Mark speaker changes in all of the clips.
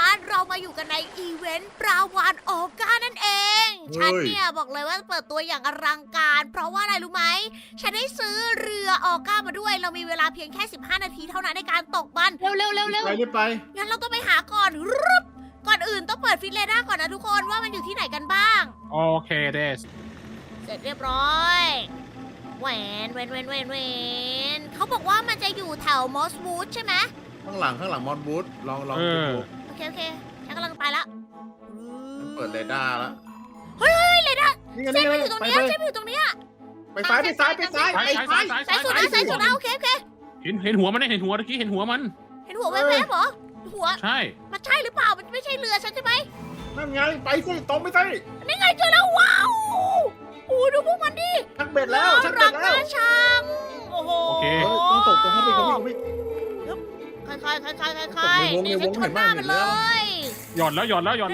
Speaker 1: เรามาอยู่กันในอีเวนต์ปลาวาฬออก้านั่นเอง ฉันเนี่ยบอกเลยว่าเปิดตัวอย่างอลังการ เพราะว่าอะไรรู้ไหม ฉันได้ซื้อเรือออก้ามาด้วย เรามีเวลาเพียงแค่ 15 นาทีเท่านั้นในการตกมัน
Speaker 2: เร็วเร็วเร็วเร็ว
Speaker 3: ไปรีบไป
Speaker 1: งั้นเราต้องไปหาก่อนรึบก่อนอื่นต้องเปิดฟิตเรดาร์ก่อนนะทุกคนว่ามันอยู่ที่ไหนกันบ้าง
Speaker 4: โอเคเดส
Speaker 1: เสร็จเรียบร้อยแหวนเขาบอกว่ามันจะอยู่แถวมอสวูดใช่ไหม
Speaker 3: ข้างหลังมอนบูธลอง
Speaker 4: เอ
Speaker 3: ดู
Speaker 4: อ
Speaker 1: โอเคฉันกำลังไปแล้ว
Speaker 3: เปิดเรดาร์แล้ว
Speaker 1: เฮ้ยเลยนะ
Speaker 3: นี่ไง
Speaker 1: เส้น
Speaker 3: นี่
Speaker 1: มัน
Speaker 3: ไง
Speaker 1: อยู่ตรง
Speaker 3: ไป
Speaker 1: เนี้ย
Speaker 3: ไป
Speaker 1: เส้นมันอยู่ตรงเนี้ย
Speaker 3: ไปซ้ายไปซ้ายไปซ้าย
Speaker 4: ซ้าย
Speaker 3: ไป
Speaker 4: ซ้าย
Speaker 3: ซ้าย
Speaker 4: ซ้าย
Speaker 1: สายสุดนะโอเค
Speaker 4: เห็นหัวมันได้เห็นหัวตะกี้เห็นหัวมัน
Speaker 1: เห็นหัวแวบๆเหรอหัว
Speaker 4: ใช่
Speaker 1: มันใช่หรือเปล่ามันไม่ใช่เรือฉันใช่ไหม
Speaker 3: นั่นไงไปสิตรงไปสิ
Speaker 1: นี่ไงเจอแล้วว้าวโอ้ดูพวกมันดิ
Speaker 3: ชักเบ็ดแล้วชัก
Speaker 1: รั
Speaker 3: เบ็
Speaker 1: ก
Speaker 3: ดแล้ว
Speaker 1: น่าชังโอ้โห
Speaker 4: โอเค
Speaker 3: ต้องตกตรงเข้าไป
Speaker 1: ค่อยๆนี่ฉันชนหน้ามันเลย
Speaker 4: หย่อนแล้ว
Speaker 1: เร็วย้อน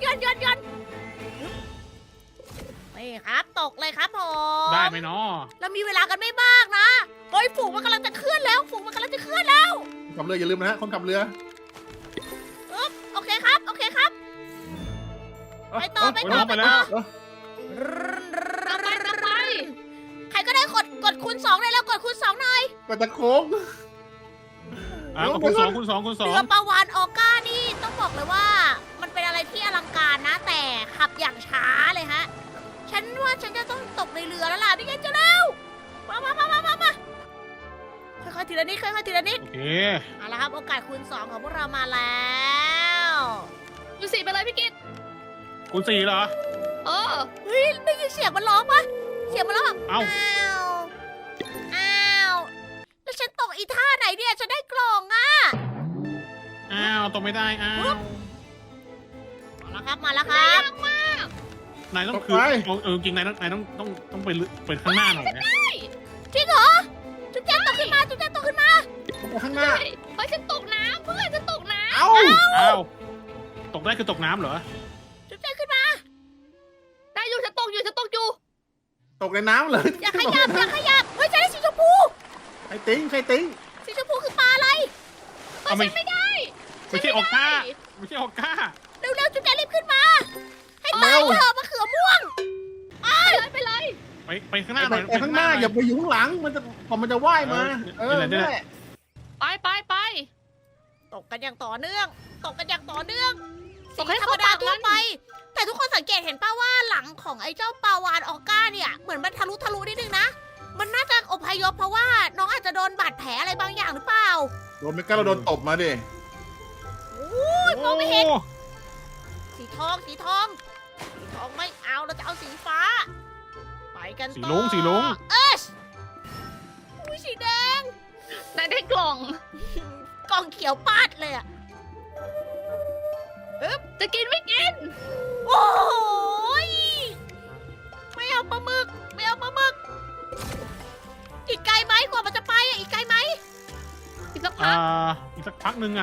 Speaker 1: นี่ครับตกเลยครับผม
Speaker 4: ได้ไหมเนาะ
Speaker 1: เรามีเวลากันไม่มากนะเฮ้ยฝูงมันกำลังจะเคลื่อนแล้วฝูงมันกำลังจะเคลื่อนแล้ว
Speaker 3: คนขับเรืออย่าลืมนะฮะคนขับเรือ
Speaker 1: โอเคครับไปต่อ
Speaker 4: ไปแล้ว
Speaker 1: ใครก็ได้กดคูณ2ได้แล้วกดคูณ2หน่อย
Speaker 3: ก็จะโค้ง
Speaker 4: คุณสอง
Speaker 1: เรือปลาวาฬออก้านี่ต้องบอกเลยว่า มันเป็นอะไรที่อลังการนะ แต่ขับอย่างช้าเลยฮะ ฉันว่าฉันจะต้องตกในเรือแล้วล่ะนี่ไงเจะแล้วมาค่อยๆทีละนิด
Speaker 4: โอเค
Speaker 1: เอาละครับโอกาสคูณ2ของพวกเรามาแล้ว
Speaker 2: ดูสิไปเลยพี่กิต
Speaker 4: คุณสี่เหรอ
Speaker 2: เออ
Speaker 1: เฮ้ยได้ยินเสียงมันร้องปะเสียงมันร้องแบบ
Speaker 4: เอ้า
Speaker 1: อ้าวแล้วฉันตกอีท่าไหนเนี่ยฉันได้กล่องอ่ะ
Speaker 4: อ้าวตกไม่ได้อ้าว
Speaker 1: มาแล้วครับ
Speaker 4: นายต้องคือจริงนายต้องไปข้างหน้าหน่อยนะ
Speaker 1: จริงเหรอจุ๊บแจ๊ตกขึ้นมา
Speaker 3: ไปข้างหน้า
Speaker 2: เฮ้ยฉันตกน้ำเพื่อนฉันตกน้
Speaker 3: เอ้า
Speaker 4: อ้าวตกได้คือตกน้ำเหรอ
Speaker 1: จุ๊บแจ๊ตขึ้นมา
Speaker 2: ำได้อยู่ฉันตกอยู่
Speaker 3: ตกในน้ำเลย
Speaker 1: อย่าขยับเฮ้ยฉันได้สีชมพู
Speaker 3: ใครติ้ง
Speaker 1: สีชมพูคือปลาอะไร
Speaker 4: เอาไม่
Speaker 2: ไม่ได้
Speaker 4: ไม่ใช่ออกก้าไม่ใช่ออกก้า
Speaker 1: เร็วจุ๊บแจ๊ตรีบขึ้นมา ให้ตายเถอะมะเขือม่วง
Speaker 2: ไปเลย
Speaker 4: ไปข้างหน้าหน่อย
Speaker 3: ไปข้างหน้าอย่าไปอยู่ข้างหลังมันจะว่ายมานั่นแหละ
Speaker 2: ไป
Speaker 1: ตกกันอย่างต่อเนื่อง
Speaker 2: ตกให้
Speaker 1: ธรร
Speaker 2: เข้าม
Speaker 1: ดา
Speaker 2: ปาก
Speaker 1: ทั่ว
Speaker 2: มัน
Speaker 1: ไป แต่ทุกคนสังเกตเห็นป่าว่าหลังของไอ้เจ้าปลาวาฬออก้าเนี่ยเหมือนมันทะลุนิดนึงนะ มันน่าจะอพยพเพราะว่าน้องอาจจะโดนบาดแผลอะไรบางอย่างหรือเปล่า
Speaker 3: โดนไม่กล้าเราโดนตบมาดิ
Speaker 1: มองไม่เห็น สีทองไม่เอาเราจะเอาสีฟ้า ไปกันต่อ
Speaker 4: สีลุง
Speaker 1: อุ้ยสีแดง
Speaker 2: นายได้กล่อง
Speaker 1: กล่องเขียวปาดเลยอะ
Speaker 2: จะกินไม่กิน
Speaker 1: โอ้ยไม่เอาปลาหมึกอีกไกลไหมกว่ามันจะไปอะอีกไกลไหม
Speaker 2: อีกสักพัก
Speaker 4: อีกสักพักหนึ่ง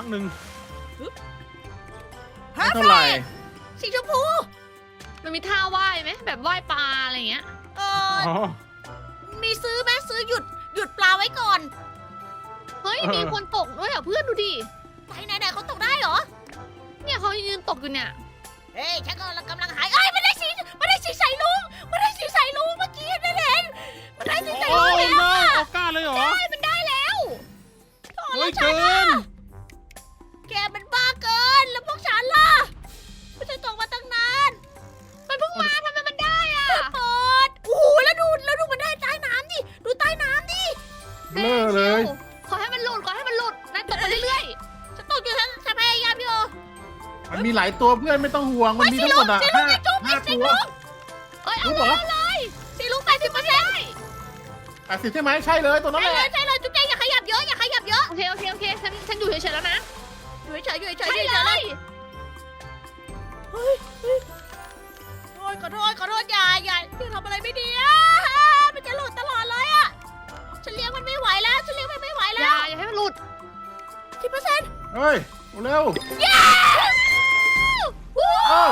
Speaker 3: ไม่เท่าไหร่
Speaker 1: สีชมพู
Speaker 2: มันมีท่าว่ายไหมแบบว่ายปลาอะไรอย่างเงี้ย
Speaker 1: เออ
Speaker 4: อ๋อ
Speaker 1: มีซื้อไหมซื้อหยุดปลาไว้ก่อน
Speaker 2: เฮ้ยมีคนตกด้วยอ่ะเพื่อนดูดิ
Speaker 1: ไหนเขาตกได้เหรอ
Speaker 2: เนี่ยเขายืนตกอยู่เนี่ย
Speaker 1: เฮ้ยฉันกำลังหายมันได้สีใสลุงเมื่อกี้เห็นมันได้สีใส
Speaker 4: โอ้
Speaker 1: ลุง
Speaker 4: ย
Speaker 1: แล้ว
Speaker 4: อ
Speaker 1: อะ
Speaker 4: อกก้าเลยเหรอ
Speaker 1: มันได้แล้ว
Speaker 4: เฮ้ยเกิน
Speaker 1: แกมันบ้าเกินแล้วพวกฉันล่ะไม่ใช่ตกมาตั้งนาน
Speaker 2: มันเพิ่งมาทำไมมันได้อ่ะ
Speaker 1: เปิดโอ้โหแล้วดูมันได้ใต้น้ำดิดูใต้น้ำดิ
Speaker 3: เบลอเลย
Speaker 2: ขอให้มันหลุดนายตกไปเรื่อย
Speaker 1: ฉันตกอยู่ฉันพยายามอยู่
Speaker 3: มันมีหลายตัวเพื่อนไม่ต้องห่วงมันมีทั้งหมดอ่ะห้าตัว
Speaker 2: ๆเอ้ยเอา
Speaker 3: รู้เหรอ
Speaker 1: สีลุง80%
Speaker 3: 80ใช่ไหมใช่เลยตัวนั้นแหละ
Speaker 1: ใช่เลยจุ๊บแจงอย่าขยับเยอะ
Speaker 2: โอเคฉันอยู่เฉยๆแล้วนะ
Speaker 1: อยู่เฉย
Speaker 2: ใช่เลย
Speaker 1: เฮ้ยขอโทษอย่าทำอะไรไม่ดีอ่ะมันจะหลุดตลอดเลยอ่ะฉันเลี้ยงมันไม่ไหวแล้ว
Speaker 2: อย่าให้มันหลุด
Speaker 1: 10%
Speaker 3: เฮ้ยเร็ว
Speaker 1: yes
Speaker 3: เออ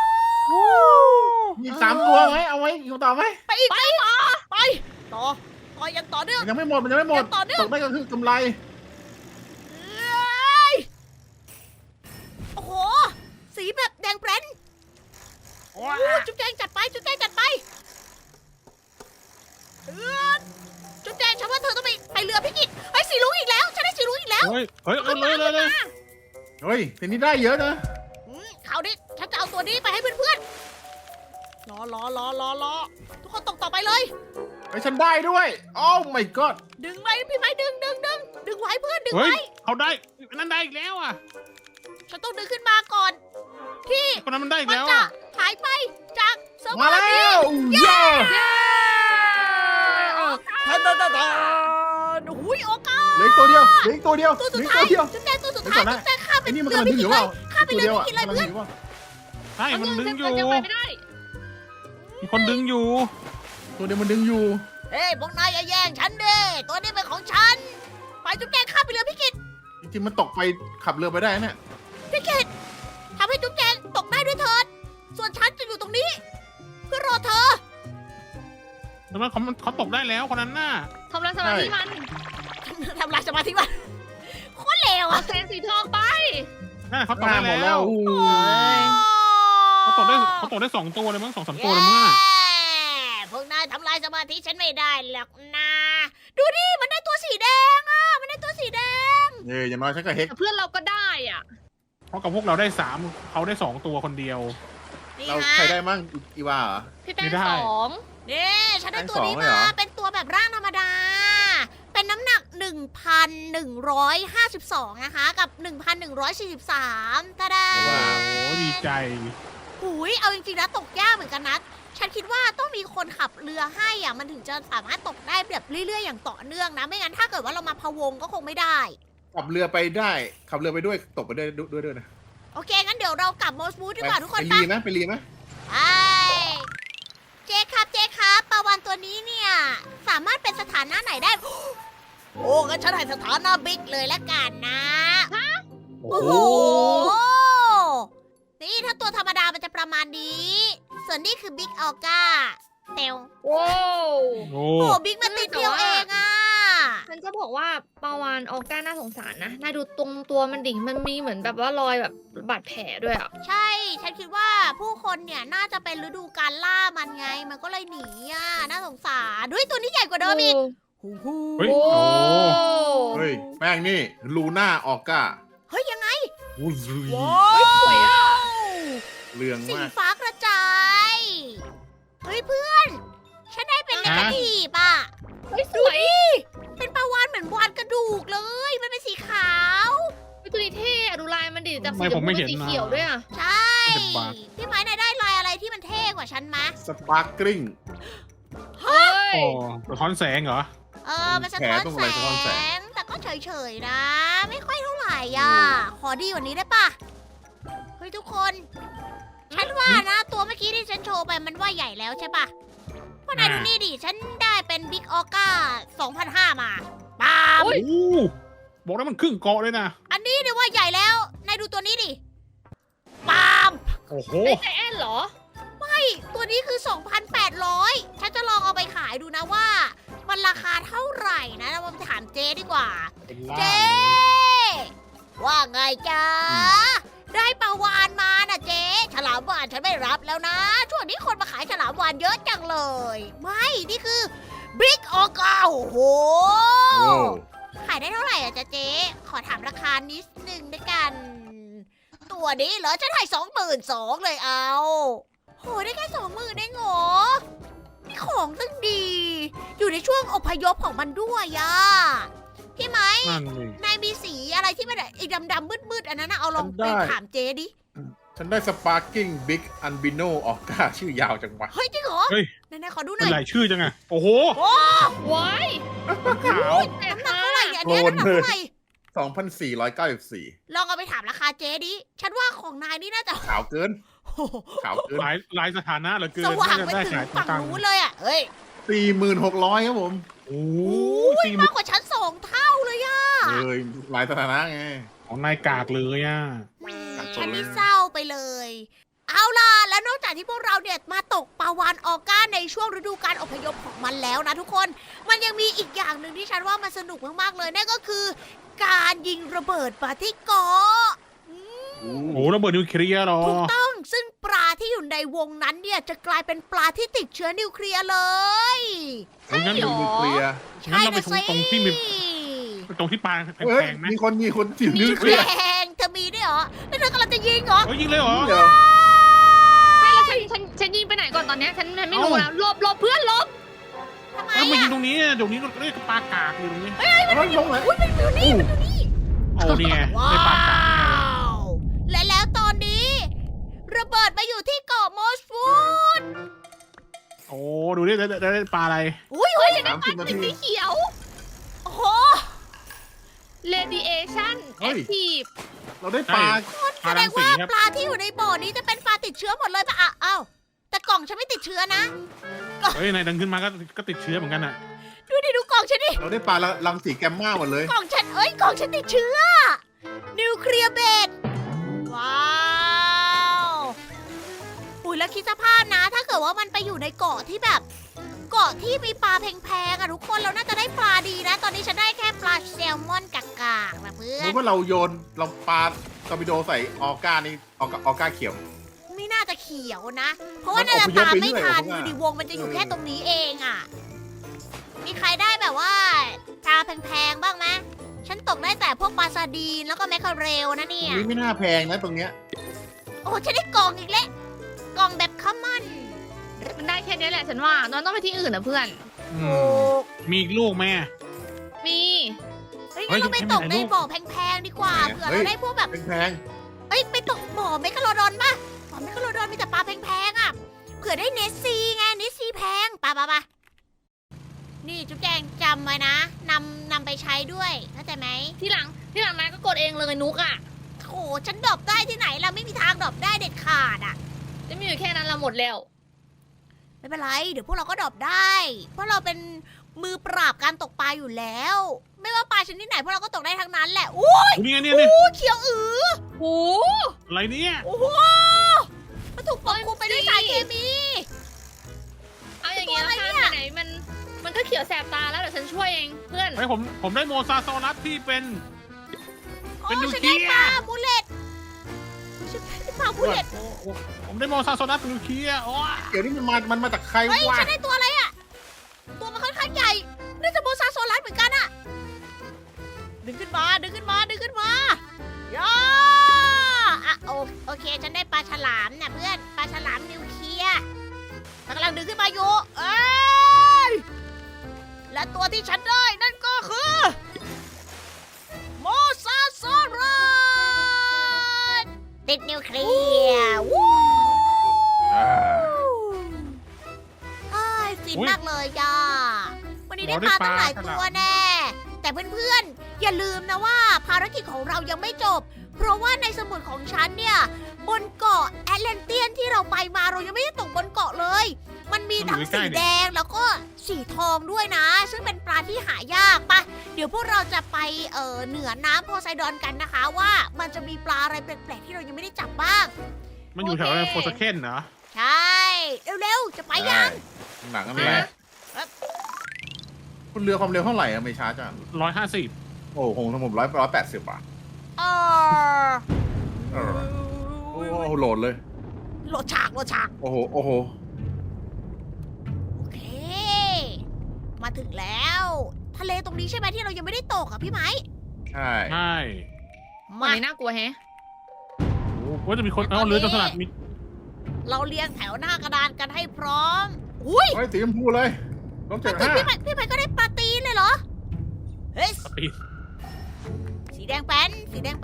Speaker 3: มี3ตัวไหมเอาไว้อยู่ต่อไหม
Speaker 1: ไปอีกไปต่อยังต่อเนื่อง
Speaker 3: มันยังไม่หมดตกได้ก็คือกำไร
Speaker 1: เอ้ยโอ้โหจุ๊บแจงจัดไปจุ๊บแจงจัดไปจุ๊บแจงฉันว่าเธอต้องไปเรือพิกิตไอ้สีรุ้งอีกแล้วฉันได้สีรุ้งอีกแล้ว
Speaker 4: เฮ้ยเอาเลย
Speaker 3: เฮ้ยทีนี้ได้เยอะนะ
Speaker 1: คราวนี้ฉันจะเอาตัวนี้ไปให้เพื่อนๆรอทุกคนตกต่อไปเลย
Speaker 3: ไอ้ยฉันได้ด้วยโอ้ my god
Speaker 1: ดึงไว้พี่ไม้ดึงไว้เพื่อนดึง
Speaker 4: เฮ้ย
Speaker 1: ไว้
Speaker 4: เขาได้นั่นได้อีกแล้วอ่ะ
Speaker 1: ฉันต้องดึงขึ้นมาก่อน ที่
Speaker 4: คนนั้นมันได้อีก
Speaker 1: มัน
Speaker 4: แล้ว
Speaker 1: จะ
Speaker 4: อ่ะ
Speaker 1: หายไปจากเซิร์ฟเวอ
Speaker 3: มา
Speaker 1: ร์
Speaker 3: แล้
Speaker 1: นี้
Speaker 3: วเย้
Speaker 1: หุยโอกาส
Speaker 3: เหลืออีกตัวเดียวเหลืออีกตัวเดียว
Speaker 1: ตัว
Speaker 3: เห
Speaker 1: สุ
Speaker 3: ลื
Speaker 1: ด
Speaker 3: ออีก
Speaker 1: ท้า
Speaker 3: ตั
Speaker 1: ยว
Speaker 3: เดียว
Speaker 1: จุ๊บแจงตัวสุดท้าย
Speaker 3: เดี๋ยวก่อนนะ
Speaker 1: จุ๊บแจงข้ามไป
Speaker 3: ไอ้นี่มัน
Speaker 1: เรือก
Speaker 3: ำลัง
Speaker 1: พิ
Speaker 3: ดึง
Speaker 1: กิ
Speaker 3: อ
Speaker 1: ต
Speaker 3: ยู่
Speaker 1: เล
Speaker 3: เปล่าย
Speaker 1: ข้ามไป
Speaker 3: ตัว
Speaker 1: เรือ
Speaker 3: เดียว
Speaker 1: พิ
Speaker 3: อ่ะ
Speaker 1: กิตเลย
Speaker 3: กำลัง
Speaker 1: เพื่อน
Speaker 3: ดึงอยู่เปล่า
Speaker 4: ใช่มันดึงอยู่
Speaker 2: จะไปไม่ได้
Speaker 4: มีคนดึงอยู่
Speaker 3: ตัวเดียวมันดึงอยู่
Speaker 1: เฮ้ยพวกนายอย่าแย่งฉันเด้ตัวนี้เป็นของฉันไปจุ๊บแจงข้ามไปเรือพิกิต
Speaker 3: จริงๆมันตกไปขับเรือไปได้เนี่ย
Speaker 1: พิกิตทำให้จุ๊บแจงตกได้ด้วยเถิดส่วนฉันจะอยู่ตรงนี้ เพื่อรอเธอ
Speaker 4: แต่ว่าเขาตกได้แล้วคนนั้นน่ะ
Speaker 2: ทำลายสมาธิมัน
Speaker 1: ทำลายสมาธิมันโคตรเลว
Speaker 2: เอา
Speaker 1: อ่ะ
Speaker 2: เซนสีทองไป
Speaker 4: นั่นเขาตก
Speaker 3: หน้า
Speaker 4: ได้
Speaker 3: หมด
Speaker 4: แล้
Speaker 3: แล้ว ว
Speaker 4: เขาตกได้2 ตัวเลยมั้ง2-3 ตัวเลยมั้งน่ะ
Speaker 1: พวกนายทำลายสมาธิฉันไม่ได้หรอกนะดูดิมันได้ตัวสีแดงอ่ะมันได้ตัวสีแดง
Speaker 3: อย่างน้อยฉันก็เฮก
Speaker 2: แต่เพื่อนเราก็ได้อ่ะ
Speaker 4: เพราะกับพวกเราได้3เขาได้2 ตัวคนเดียว
Speaker 1: นี่
Speaker 3: เรา
Speaker 1: ฮะ
Speaker 3: ใครได้มั่งอีวาเหรอ
Speaker 2: พี่แป้ง
Speaker 4: ไม่ได้
Speaker 2: สอง
Speaker 1: นี่ฉันได้ตัวนี้
Speaker 3: แป้งสองเลยเหร
Speaker 1: มา
Speaker 3: อ
Speaker 1: เป็นตัวแบบร่างธรรมดา เป็นน้ำหนัก 1,152 นะคะ กับ 1,143ตาดา
Speaker 3: ว้าว
Speaker 4: โอ้ดีใจ
Speaker 1: หุยเอาจริงๆนะตกยากเหมือนกันนะ ฉันคิดว่าต้องมีคนขับเรือให้อ่ะมันถึงจะสามารถตกได้แบบเรื่อยๆอย่างต่อเนื่องนะ ไม่งั้นถ้าเกิดว่าเรามาพะวงก็คงไม่ได้
Speaker 3: ขับเรือไปได้ขับเรือไปด้วยตกไปด้วยนะ
Speaker 1: โอเค งั้นเดี๋ยวเรากลับโมสมูทดีกว่าทุกคน
Speaker 3: ไป
Speaker 1: ไป
Speaker 3: รีไหมไปรีไหม
Speaker 1: ไปเจ๊ครับปลาวานตัวนี้เนี่ย สามารถเป็นสถานะไหนได้ โอ้งั้นฉันให้สถานะบิ๊กเลยละกันนะ
Speaker 3: โอ้
Speaker 1: โอ้
Speaker 3: โห
Speaker 1: โห นี่ถ้าตัวธรรมดามันจะประมาณนี้ ส่วนนี้คือบิ๊กออก้าเตว
Speaker 2: โว้ว
Speaker 4: โอ้
Speaker 1: โอ้บิ๊กมันติดเดียวเองอ่ะ
Speaker 2: ฉันจะบอกว่าปาวานออก้าน่าสงสารนะนายดูตรงตัวมันดิมันมีเหมือนแบบว่ารอยแบบบาดแผลด้วยอ่ะ
Speaker 1: ใช่ ฉันคิดว่าผู้คนเนี่ยน่าจะเป็นฤดูการล่ามันไง มันก็เลยหนีอ่ะ น่าสงสารด้วยตัวนี้ใหญ่กว่าเดิมอีก
Speaker 4: เฮ้ย
Speaker 2: โอ้
Speaker 4: โอ้
Speaker 3: เฮ้ยแป้งนี่ลูน่าออก้า
Speaker 1: เฮ้ยยังไง
Speaker 3: อุ้ย
Speaker 2: เฮ้ยสวยอ่ะ
Speaker 3: เรือง
Speaker 1: สี
Speaker 3: มาก
Speaker 1: ฟ้ากระจาย เฮ้ยเพื่อน ฉันได้เป็นเนกาทีฟอ่ะ
Speaker 2: เฮ้ยส
Speaker 1: ดู
Speaker 2: วย
Speaker 1: ดิ เป็นปลาวานเหมือนวานกระดูกเลย มันเป็นสีขาว
Speaker 2: เฮ้ยตัวนี้เท่อะดูลายมันดิจาก
Speaker 4: ทำไม
Speaker 2: สีช
Speaker 4: ผม ม
Speaker 2: พู
Speaker 4: ไม่
Speaker 2: เป็
Speaker 4: เห็น
Speaker 2: นสี
Speaker 4: นะ
Speaker 2: เขียวด้วยอ่ะ
Speaker 1: ใช่
Speaker 4: เป็นบาท
Speaker 1: พี่ไม้นายได้ลายอะไรที่มันเท่กว่าฉันมะ
Speaker 3: สปาร์กริง
Speaker 2: เฮ้ย
Speaker 4: โอ้สะท้อนแสงเหรอ
Speaker 1: มันสะท้อน
Speaker 3: แผลตรงอะไรสะท้อน
Speaker 1: แส
Speaker 3: แส
Speaker 1: ง แต่ก็เฉยๆนะ ไม่ค่อยเท่าไหร่อ่ะ ขอดีกว่านี้ได้ปะเฮ้ยทุกคน ฉันว่านะ ตัวเมื่อกี้ที่ฉันโชว์ไปมันว่าใหญ่แล้วใช่ปะเพราะนายดูนี่ดิ ฉันได้เป็นบิ๊กออก้า2005 มาปาม
Speaker 4: โอ้บอกแล้วมันครึ่งเกาะเลยนะ
Speaker 1: อันนี้เนี่ยว่าใหญ่แล้ว นายดูตัวนี้ดิปาม
Speaker 4: โอ้โห
Speaker 2: ไม่ใจแอนเหรอ
Speaker 1: ตัวนี้คือ 2,800 ฉันจะลองเอาไปขายดูนะว่า มันราคาเท่าไหร่นะเราไปถามเจ๊ดีกว่า
Speaker 3: เป็นล่า
Speaker 1: เจ๊ ว่าไงจ๊ะ ได้ปลาวานมานะเจ๊ ฉลามวานฉันไม่รับแล้วนะ ช่วงนี้คนมาขายฉลามวานเยอะจังเลย ไม่ นี่คือบิ๊กออก้าโอ้โห
Speaker 3: โอ้
Speaker 1: ขายได้เท่าไหร่อะจ๊ะเจ๊ ขอถามราคานิดนึงด้วยกัน ตัวนี้เหรอ ฉันให้22,000เลยเอา โหได้แค่20,000เองเหรอนี่ของตั้งดี อยู่ในช่วงอพยพของมันด้วยอะพี่ไหม
Speaker 4: นั่นนี่
Speaker 1: นายมีสีอะไรที่มันไอ้ดำๆมืดๆอันนั้นนะเอาลองไปถามเจ๊ดิ
Speaker 3: ฉันได้สปาร์กิ้งบิ๊กอันบิโนออก้าชื่อยาวจังวะ
Speaker 1: เฮ้ยจริงเหรอ
Speaker 4: เฮ้ย
Speaker 1: ไหนๆขอดูห
Speaker 4: เป็
Speaker 1: น่
Speaker 4: น
Speaker 1: อย
Speaker 4: หลายชื่อจังอะโอ้โห
Speaker 1: โอ้
Speaker 2: ว้าย
Speaker 4: ขาว
Speaker 2: แต่
Speaker 1: น้ำหนัก
Speaker 2: ค่ะ
Speaker 1: เท่าไหร่เนี่ยอันเนี้ยน้ำหนักเท่าไหร่
Speaker 3: 2,494
Speaker 1: ลองเอาไปถามราคาเจ๊ดิ ฉันว่าของนายนี่น่าจะ
Speaker 3: ขาวเกิน
Speaker 1: โอ้โห
Speaker 3: ขาวเกิน
Speaker 4: หลายสถานะเหลือเกิน
Speaker 1: สว่าง
Speaker 4: น่
Speaker 1: ไป
Speaker 4: จะได้
Speaker 1: ถึง
Speaker 4: ขาย
Speaker 1: ฝั่ง
Speaker 4: ตังค์
Speaker 1: นู้นเลยอ่ะ เฮ้ย
Speaker 3: 46,000ครับผม
Speaker 4: โอ้
Speaker 1: โอ้
Speaker 4: ย
Speaker 1: ยมากกว่าฉัน2 เท่าเลยอ่ะ
Speaker 3: หลายสถานะไง
Speaker 4: ของนายกากเลยอ่ะ
Speaker 1: ฉันนี่เศร้าไปเลย เอาล่ะ แล้วนอกจากที่พวกเราเนี่ยมาตกปลาวานออก้าในช่วงฤดูการอพยพของมันแล้วนะทุกคน มันยังมีอีกอย่างหนึ่งที่ฉันว่ามันสนุกมากๆเลยนั่นก็คือ การยิงระเบิดปาที่เกาะ
Speaker 4: โอ้โหระเบิดนิวเคลียร์เหรอ
Speaker 1: ถูกต้องซึ่งปลาที่อยู่ในวงนั้นเนี่ยจะกลายเป็นปลาที่ติดเชื้อนิวเคลียร์เลย
Speaker 4: งั้น
Speaker 2: หรอ
Speaker 3: นิวเคลียร์
Speaker 4: งั้นเราไปตรงที่มีตรงที่ปลาแ
Speaker 3: เฮ้ย
Speaker 4: พงๆไหม
Speaker 3: มีคนจิ๋ว
Speaker 1: มี
Speaker 3: นิวเค
Speaker 1: แร
Speaker 3: ลียร์
Speaker 1: งเธอมีด้วยเหรอแล้วเธอกำลังจะยิงเหรอ
Speaker 4: เฮ้ยยิงเลยเหรอ
Speaker 3: เดี๋ยว
Speaker 2: ไม่แล้วฉันยิงไปไหนก่อนตอนเนี้ยฉันไม่รู้แล้วหลบเพื่อนหลบ
Speaker 1: ทำไม
Speaker 4: แล้วมายิง
Speaker 1: อะ
Speaker 4: ตรงนี้เดี๋ยวนี้เรียกปลากากอยู่ตรงนี้
Speaker 3: เอาลงไหน
Speaker 1: อุ้ยมันอยู่นี่มันอยู่นี่
Speaker 4: โอ้นี่ไง
Speaker 1: ว้า
Speaker 4: ได้ปลากากแน่เลย
Speaker 1: วและแล้วตอนนี้ ระเบิดมาอยู่ที่เกาะมอสฟูด
Speaker 4: โอ้ดูดิได้ปลาอะไร
Speaker 1: อุ้ยอุ้ย
Speaker 3: 30 นาที
Speaker 2: สีเขียว
Speaker 1: โอ้โห
Speaker 2: radiation
Speaker 3: เฮ้ย
Speaker 2: active
Speaker 3: เราได้ปลา
Speaker 1: แสดงว่าปลาที่อยู่ในบ่อนี้จะเป็นปลาติดเชื้อหมดเลยปะอ่ะอ้าวแต่กล่องฉันไม่ติดเชื้อนะ
Speaker 4: เฮ้ยนายดังขึ้นมาก็ติดเชื้อเหมือนกันอ่ะ
Speaker 1: ดูดิดูกล่องฉันดิ
Speaker 3: เราได้ปลารังสีแกมมาหมดเลย
Speaker 1: กล่องฉันกล่องฉันติดเชื้อ นิวเคลียร์เบดว้าวอุ้ยแล้วคิดสภาพนะ ถ้าเกิดว่ามันไปอยู่ในเกาะที่แบบ เกาะที่มีปลาแพงๆอะทุกคนเราน่าจะได้ปลาดีนะ ตอนนี้ฉันได้แค่ปลาแซลมอนกากๆนะเพื่อ
Speaker 3: รู้
Speaker 1: น
Speaker 3: ว่าเราโยนเราปลาตอร์ปิโดใส่ออก้านี่ออก้าเขียว
Speaker 1: ไม่น่าจะเขียวนะ เพราะว่า
Speaker 3: มัน
Speaker 1: น่าจะ
Speaker 3: อพยพ
Speaker 1: ตาม
Speaker 3: ไป
Speaker 1: ไม่
Speaker 3: เรื่อย
Speaker 1: ทัน
Speaker 3: ผมว่า
Speaker 1: อยู่ดีวงมันจะอยู่แค่ตรงนี้เองอะมีใครได้แบบว่าปลาแพงๆบ้างไหมฉันตกได้แต่พวกปลาซาดีนแล้วก็แมคเคอเรลนะเนี่ย
Speaker 3: นี่ไม่น่าแพงนะตรงเนี้ย
Speaker 1: โอ้ฉันได้กล่องอีกแล้วกล่องแบบคัมมอน
Speaker 2: มันได้แค่นี้แหละฉันว่าเราต้องไปที่อื่นนะเพื่อน
Speaker 1: ถูก
Speaker 4: มีอีกลูกไหม
Speaker 2: มี
Speaker 1: เฮ้ย
Speaker 4: เฮ้
Speaker 1: งั้น
Speaker 4: ย
Speaker 1: เราไปตก
Speaker 4: ไม่
Speaker 1: ใน
Speaker 4: มีอะไร
Speaker 1: บ่อแพงๆดีกว่าเผื่อเราได้พวกแบบ
Speaker 3: แพง
Speaker 1: เอ้ยไปตกบ่อเมกะโลดอนป่ะบ่อเมกะโลดอนมีแต่ปลาแพงๆอ่ะเผื่อได้เนสซีไงเนสซีแพงปะนี่จุ๊บแจงจำไว้นะนำไปใช้ด้วยเข้าใจไหม
Speaker 2: ที่หลังนายก็กดเองเลยนุกอ่ะ
Speaker 1: โอ้ฉันดรอปได้ที่ไหนเราไม่มีทางดรอปได้เด็ดขาดอ่ะ
Speaker 2: จะมีอยู่แค่นั้นเราหมดแล้ว
Speaker 1: ไม่เป็นไรเดี๋ยวพวกเราก็ดรอปได้ เพราะเราเป็นมือปราบการตกปลาอยู่แล้ว ไม่ว่าปลาชนิดไหนพวกเราก็ตกได้ทั้งนั้นแหละอู้
Speaker 4: นี่ไงเนี่ย
Speaker 1: อู้เขียวอ
Speaker 2: โอ้
Speaker 4: อะไรเนี่ย
Speaker 1: โอ้โหมันถูกปกคลุมไปด้วยสารเคมี
Speaker 2: เอาอย่างงี้แล้วกันไหนมันก็เขียวแสบตาแล้วเดี๋ยวฉันช่วยเองเพื่อน
Speaker 4: เฮ้ยผมได้โมซาโซลัสที่เป็น เป็น
Speaker 1: โอ้
Speaker 4: นิว
Speaker 1: ฉัน
Speaker 4: เคลี
Speaker 1: ได้
Speaker 4: ยร์
Speaker 1: ปลาบูเลตฉันได้ปลาบูเลต
Speaker 4: ผมได้โมซาโซลัสเป็นนิวเคลียร์โอ้ย
Speaker 3: ๆเดี๋ยวนี้มันมาจากใคร
Speaker 1: เฮ้ยว
Speaker 3: ะ
Speaker 1: ฉันได้ตัวอะไรอ่ะ ตัวมันค่อนข้างใหญ่น่าจะโบซาโซลัสเหมือนกันอ่ะ ดึงขึ้นมาย่าอ่ะโอเค ฉันได้ปลาฉลามเนี่ยเพื่อน ปลาฉลามนิวเคลียร์มันกำลังดึงขึ้นมาอยู่ เอ้ย และตัวที่ฉันได้นั่นก็คือโมซาโซลัสติดนิวเคลียร์วู้ อ้ายฟินมากเลยย่าวันนี้ได้ปลาตั้งหลายตัวแน่ แต่เพื่อนๆ อย่าลืมนะว่าภารกิจของเรายังไม่จบ เพราะว่าในสมุดของฉันเนี่ย บนเกาะแอตแลนเตียนที่เราไปมาเรายังไม่ได้ตกบนเกาะเลย มันมีทั้งสีแดงแล้วก็สีทองด้วยนะ ซึ่งเป็นปลาที่หายากปะเดี๋ยวพวกเราจะไปเหนือน้ำโพไซดอนกันนะคะว่ามันจะมีปลาอะไรแปลกๆที่เรายังไม่ได้จับบ้าง
Speaker 4: มันอยู่แถวโฟสเคนเหรอ
Speaker 1: ใช่ เร็วๆ จะไปยัง
Speaker 3: หนังอะไรคุณเรือความเร็วเท่าไหร่อะไม่ช้าจัง
Speaker 4: 150
Speaker 3: โอ้คงทั้งผม180บาท
Speaker 1: เออ
Speaker 3: โอ้โหโหลดเลย
Speaker 1: โหลดฉาก
Speaker 3: โอ้โห
Speaker 1: โอเค มาถึงแล้ว ทะเลตรงนี้ใช่ไหมที่เรายังไม่ได้ตกอ่ะพี่ไหม
Speaker 3: ใช่
Speaker 4: ใช่
Speaker 2: วัน
Speaker 1: มา
Speaker 2: นี้น่ากลัวแฮะ
Speaker 4: ว่าจะมีคนเอาเรือจนสลัดมี
Speaker 1: เราเรียงแถวหน้ากระดานกันให้พร้อม อุ้ย
Speaker 3: เฮ้ยสีชมพูเลยลบ
Speaker 1: ถ้าเกิด
Speaker 3: 75
Speaker 1: พี่ไหมก็ได้ปลาตีนเลยเหรอ เฮ้ย
Speaker 4: ปี
Speaker 1: สีแดงแป้น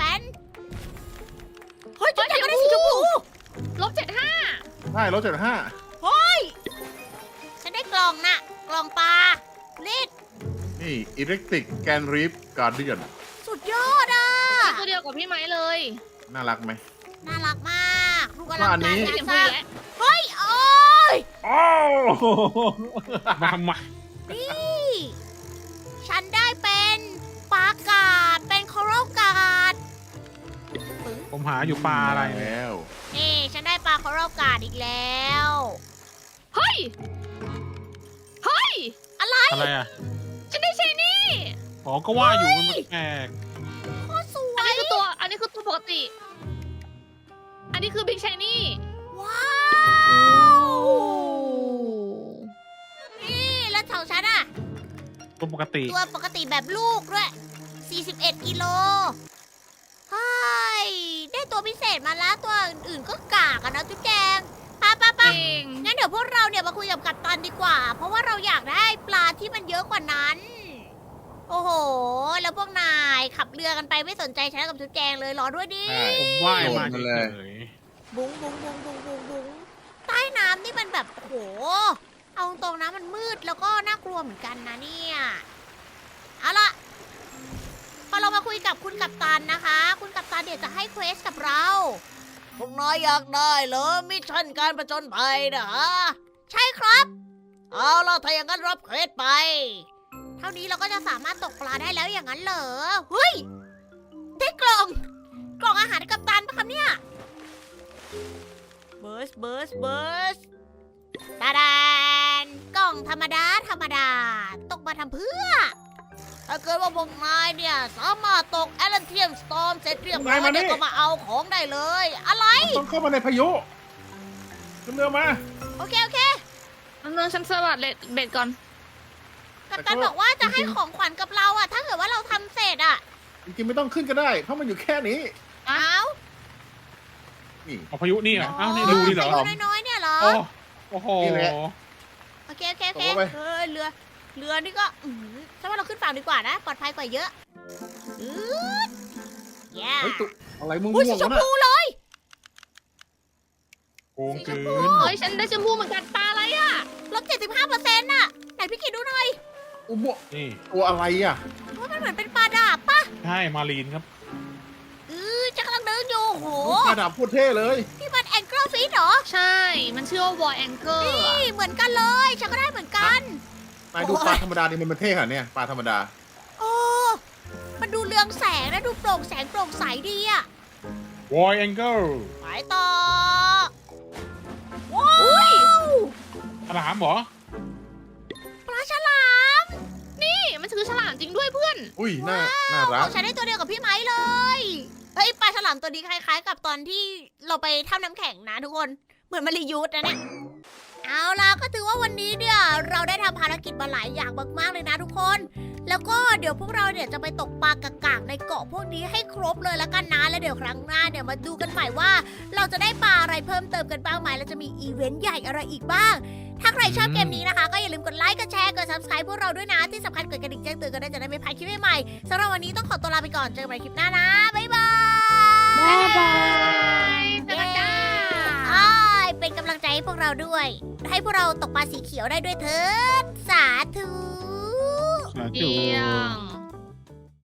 Speaker 1: เฮ้ยจุ๊บแจงก็ได้สีชมพู
Speaker 2: -75
Speaker 3: ใช่ลบ75
Speaker 1: เฮ้ย ฉันได้กล่องน่ะ กล่องปลาลิด
Speaker 3: นี่อิเล็กทริกแกนรีฟการเดียน
Speaker 1: สุดยอดอ่ะ
Speaker 2: ตัวเดียวกับพี่ไม้เลย
Speaker 3: น่ารักไหม
Speaker 1: น่ารักมากลูกกำลัง
Speaker 3: ว่าอันนี้
Speaker 1: การ
Speaker 2: เสียง
Speaker 1: ส
Speaker 2: พูด
Speaker 1: ร้าง
Speaker 2: แล้ว
Speaker 1: เฮ้ย โอ้ย
Speaker 3: โอ้
Speaker 4: มาทำไม
Speaker 1: นี่ ฉันได้เป็นปลากาด เป็นคอรัลกาด
Speaker 4: ผมหาอยู่ปลาอะไรเนี่ย
Speaker 3: แล้ว
Speaker 1: นี่ ฉันได้ปลาคอรัลกาดอีกแล้ว
Speaker 2: เฮ้ย
Speaker 1: อะไร
Speaker 4: อะไรอ่ะ
Speaker 2: ฉันได้เชนี่
Speaker 4: อ๋อก็ว่าอยู่มันแปลก
Speaker 1: โคตรสว
Speaker 2: อัน
Speaker 1: ย
Speaker 2: นี้คือตัวปกติ อันนี้คือบิ๊กชายนี่
Speaker 1: ว้าว
Speaker 4: ตัวปกติ
Speaker 1: ตัวปกติแบบลูกด้วย 41 กิโลเฮ้ยได้ตัวพิเศษมาแล้วตัวอื่นๆก็กากอะนะจุ๊บแจงไป
Speaker 2: เอง
Speaker 1: งั้นเดี๋ยวพวกเราเนี่ยมาคุยกับกัปตันดีกว่า เพราะว่าเราอยากได้ปลาที่มันเยอะกว่านั้น โอ้โห แล้วพวกนายขับเรือกันไปไม่สนใจฉันกับจุ๊บแจงเลยรอด้วยดิ
Speaker 3: ใช่
Speaker 4: ผมว่ายมา
Speaker 3: โดดมา
Speaker 4: เล
Speaker 3: เลย
Speaker 4: ย
Speaker 1: บุ้งบุ้งบุ้งบุ้งบุ้งบุ้งใต้น้ำนี่มันแบบโอ้โห เอาตรงๆนะมันมืดแล้วก็น่ากลัวเหมือนกันนะเนี่ย เอาล่ะ พอเรามาคุยกับคุณกัปตันนะคะ คุณกัปตันเดี๋ยวจะให้เควสกับเรา พวกน้อยอยากได้เหรอมิชชั่นการประจนภัยนะฮะใช่ครับ เอาล่ะถ้าอย่างนั้นรับเควสไป เท่านี้เราก็จะสามารถตกปลาได้แล้วอย่างนั้นเหรอเฮ้ยได้กล่องอาหารกัปตันปะครับเนี่ยเบิร์สตาดานกล่องธรรมดาตกมาทำเพื่อ ถ้าเกิดว่าพวกนายเนี่ยสามารถตกแอลเทียมสตอมเสร็จเรียบร้อยเนี่ยก็มาเอาของได้เลย อะไร
Speaker 3: ต้องเข้ามาในพายุขึ้นเรือมา
Speaker 1: โอเค
Speaker 2: อันนึงฉันสวัสดเบ็ดก่อน
Speaker 1: กัปตันบอกว่าจะให้ของขวัญกับเราอะถ้าเกิดว่าเราทำเสร็จอะ
Speaker 3: จริงๆไม่ต้องขึ้นก็ได้ เพราะมันอยู่แค่นี้
Speaker 1: เอา
Speaker 3: นี่
Speaker 4: เอาพายุนี่เหรออ้าวนี่ดูนี่เหรอ
Speaker 1: ใส่น้อยๆเนี่ยเหรอ
Speaker 4: โอ้โห
Speaker 3: นี่แหละ
Speaker 1: โอเค
Speaker 3: ตกลงไป
Speaker 1: เรือนี่ก็ฉันว่าเราขึ้นฝั่งดีกว่านะ ปลอดภัยกว่าเยอะแย่
Speaker 3: เฮ้ยตุ๊อะไรม่ว
Speaker 1: อุ้ยสี
Speaker 3: งๆ
Speaker 1: ช
Speaker 3: วะ
Speaker 1: ม
Speaker 3: น่ะ
Speaker 1: พูเลย
Speaker 4: โกงเกิน
Speaker 2: เฮ้ยฉันได้ชมพูเหมือนกันปลาอะไรอ่ะ
Speaker 1: ลบ 75%น่ะไหนพี่กิดดูหน่อย
Speaker 3: อุโม
Speaker 4: นี่
Speaker 3: ตัวอะไรอ่ะ
Speaker 1: ว่ามันเหมือนเป็นปลาดาบปะ
Speaker 4: ใช่มารีนครับ
Speaker 1: จะกำลังเดินอยู่โห
Speaker 3: ปลาดาบโคตรเท่เลย
Speaker 1: นี่มันแองเกิลฟิชเหรอ
Speaker 2: ใช่ มันชื่อว่าวอยแองเกอร์
Speaker 1: นี่เหมือนกันเลยฉันก็ได้เหมือนกัน
Speaker 3: นายดูปลาธรรมดานี่มันเท่ขนาดเนี่ยปลาธรรมดา
Speaker 1: โอ้มันดูเรืองแสงนะดูโปร่งแสงโปร่งใสดีอะ
Speaker 4: วอยแองเกิล
Speaker 1: ไปต่อว้าว
Speaker 4: ฉลามเหรอ
Speaker 1: ปลาฉลาม
Speaker 2: นี่มันคือฉลามจริงด้วยเพื่อน
Speaker 3: อุ้ยน่ารัก
Speaker 1: ฉันได้ตัวเดียวกับพี่ไม้เลยเฮ้ยปลาฉลามตัวนี้คล้ายๆ กับตอนที่เราไปถ้ำน้ำแข็งนะทุกคนเหมือนมารียูสนะเนี่ยเอาล่ะก็ถือว่าวันนี้เนี่ยเราได้ทำภารกิจมาหลายอย่างมากๆเลยนะทุกคน แล้วก็เดี๋ยวพวกเราเนี่ยจะไปตกปลากากๆในเกาะพวกนี้ให้ครบเลยแล้วกันนะแล้วเดี๋ยวครั้งหน้าเนี่ยมาดูกันใหม่ว่า เราจะได้ปลาอะไรเพิ่มเติมกันบ้างไหมแล้วจะมีอีเวนต์ใหญ่อะไรอีกบ้าง ถ้าใครชอบเกมนี้นะคะ ก็อย่าลืมกดไลค์กดแชร์กด subscribe พวกเราด้วยนะที่สำคัญกดกระดิ่งแจ้งเตือนกันได้จะได้ไม่พลาดคลิปใหม่ๆสำหรับวันนี้ต้องขอตัวลาไปก่อนเจอกันใหม่คลิปหน้านะบ๊ายบาย
Speaker 2: บ๊ายบายเจอกันจ้า
Speaker 1: อ้ายเป็นกำลังใจให้พวกเราด้วย ให้พวกเราตกปลาสีเขียวได้ด้วยเถิดสาธุ
Speaker 4: สาธุ
Speaker 2: เยี่ยม